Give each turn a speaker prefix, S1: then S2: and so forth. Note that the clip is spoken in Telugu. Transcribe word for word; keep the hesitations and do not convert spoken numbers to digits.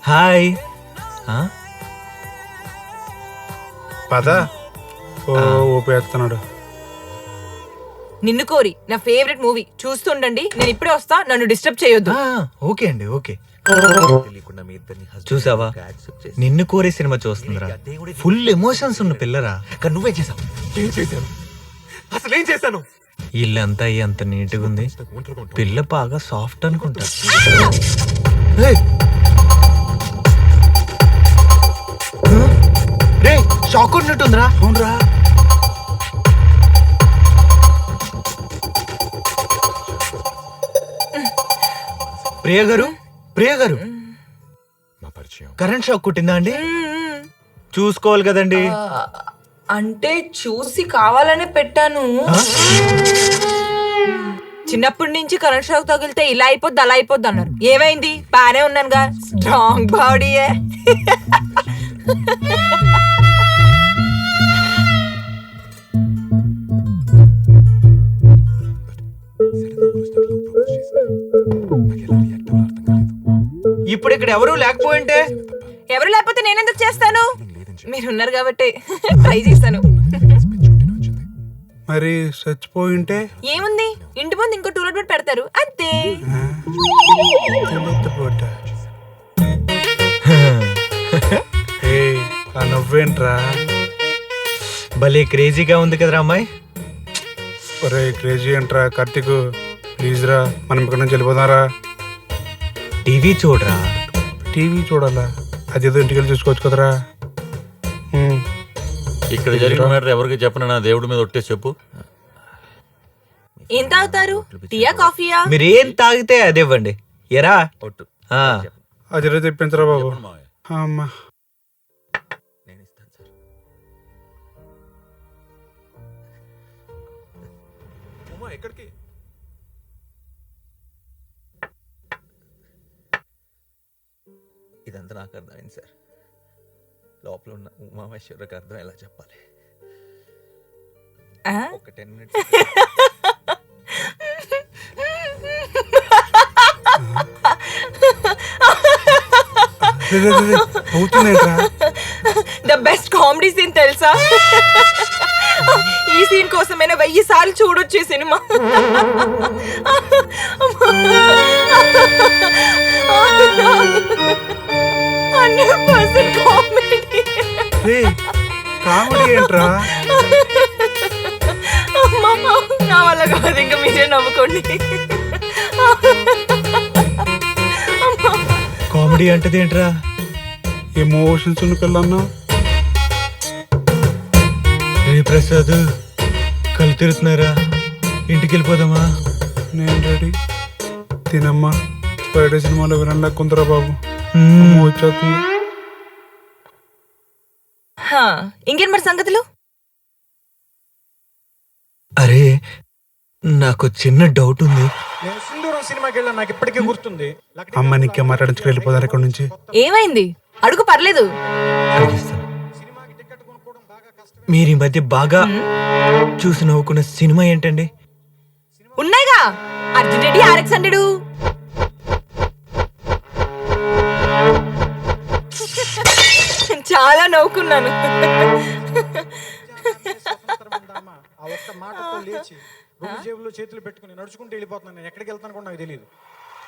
S1: హాయ్.
S2: పద. ఓ ఊపేస్తున్నాడు.
S3: నిన్ను కోరి నా ఫేవరెట్ మూవీ చూస్తుండండి. నేను ఇప్పుడే వస్తా, నన్ను డిస్టర్బ్ చేయొద్దు.
S1: ఓకే అండి, ఓకే. చూసావా, నిన్ను కోరే సినిమా చూస్తుందిరా. ఫుల్ ఎమోషన్స్ ఉన్న పిల్లరా.
S4: కానీ నువ్వేం చేసావు? ఏం చేశాను? అసలు ఏం చేశాను?
S1: ఇల్లంతా అంత నీట్గా ఉంది. పిల్ల బాగా సాఫ్ట్ అనుకుంటా. రే, షాక్ ఉన్నట్టుందిరా.
S2: అవునరా.
S1: ప్రియ గారు, ప్రియ గారు,
S4: మా పరిచయం
S1: కరెంట్ షాక్ కొట్టిందా అండి? చూసుకోవాలి కదండి.
S3: అంటే చూసి కావాలనే పెట్టాను. చిన్నప్పటి నుంచి కరెంట్ షాక్ తగిలితే ఇలా అయిపోద్ది అలా అయిపోద్ది అన్నారు. ఏమైంది? బానే ఉన్నానుగా, స్ట్రాంగ్ బాడీయే.
S1: ఇప్పుడు ఇక్కడ ఎవరు లేకపోయింటే?
S3: ఎవరు లేకపోతే నేనెందుకు చేస్తాను? మీరున్నారు కాబట్టి ట్రై చేశాను.
S2: మరి చచ్చిపోయింటే
S3: ఏముంది, ఇంటి ముందు ఇంకో టూలెట్ బెడ్ పెడతారు అంతే.
S2: నవ్వేంట్రా?
S1: భలే క్రేజీగా ఉంది కదరా అమ్మాయి.
S2: ఒరే క్రేజీ ఏంట్రా కార్తీక్, ప్లీజ్ రా, మనం ఇక్కడ నుంచి వెళ్ళిపోదారా.
S1: టీవీ చూడరా.
S2: టీవీ చూడాలా? అదేదో ఇంటికి వెళ్ళి చూసుకోవచ్చు కదరా.
S4: ఇక్కడ జరిగిన మ్యాటర్ ఎవరికి చెప్పను, నా దేవుడి మీద ఒట్టే చెప్పు.
S3: ఏం తాగుతారు? టీయా కాఫీయా?
S1: మీరు ఏం తాగితే అదే ఇవ్వండి. ఎరా
S4: ఒట్టు
S2: అదే తెప్పించరా బాబు. అమ్మా
S4: నేను ఇస్తాను సార్. ఎక్కడికి? ఇదంతా నాకు అర్థమైంది సార్. లోపల ఉన్న ఉమామేశ్వరికి అర్థం ఎలా చెప్పాలి? ఒక ten minutes
S3: the best comedy scene తెలుసా? ఈ సీన్ కోసమైనా వెయ్యి సార్లు చూడొచ్చు ఈ cinema. Hundred percent comedy.
S2: Comedy ఏంట్రా?
S3: నా వల్ల కాదు, ఇంకా మీరే నవ్వుకోండి.
S1: కామెడీ అంటది ఏంట్రా?
S2: ఎమోషన్స్ ఉన్న పిల్లన్నా.
S1: రే ప్రసాద్, కళ్ళు తిరుగుతున్నారా? ఇంటికి వెళ్ళిపోదామా?
S2: నేను రెడీ. తినమ్మా. బయట సినిమాలో వినలా కుందరా బాబు. వచ్చేస్తుంది.
S3: ఇంకేం మరి సంగతులు?
S1: అరే, నాకు చిన్న డౌట్ ఉంది.
S5: నేను సింధూరం సినిమాకి వెళ్ళాను, నాకు ఇప్పటికీ గుర్తుంది.
S2: అమ్మ నీకే మాట్లాడించుకు వెళ్ళిపోతారు ఇక్కడ నుంచి.
S3: ఏమైంది? అడుగు, పర్లేదు.
S1: మీరు ఈ మధ్య బాగా చూసి నవ్వుకున్న సినిమా ఏంటండి?
S3: ఉన్నాయిగా, అర్జున్ రెడ్డి ఆర్ఎక్స్ హండ్రెడ్. చాలా నవ్వుకున్నాను.
S5: ఆ ఒక్క మాటతో లేచి రెండు జేబుల్లో చేతులు పెట్టుకుని నడుచుకుంటూ వెళ్ళిపోతున్నాను. నేను ఎక్కడికి వెళ్తాను కూడా నాకు తెలియదు.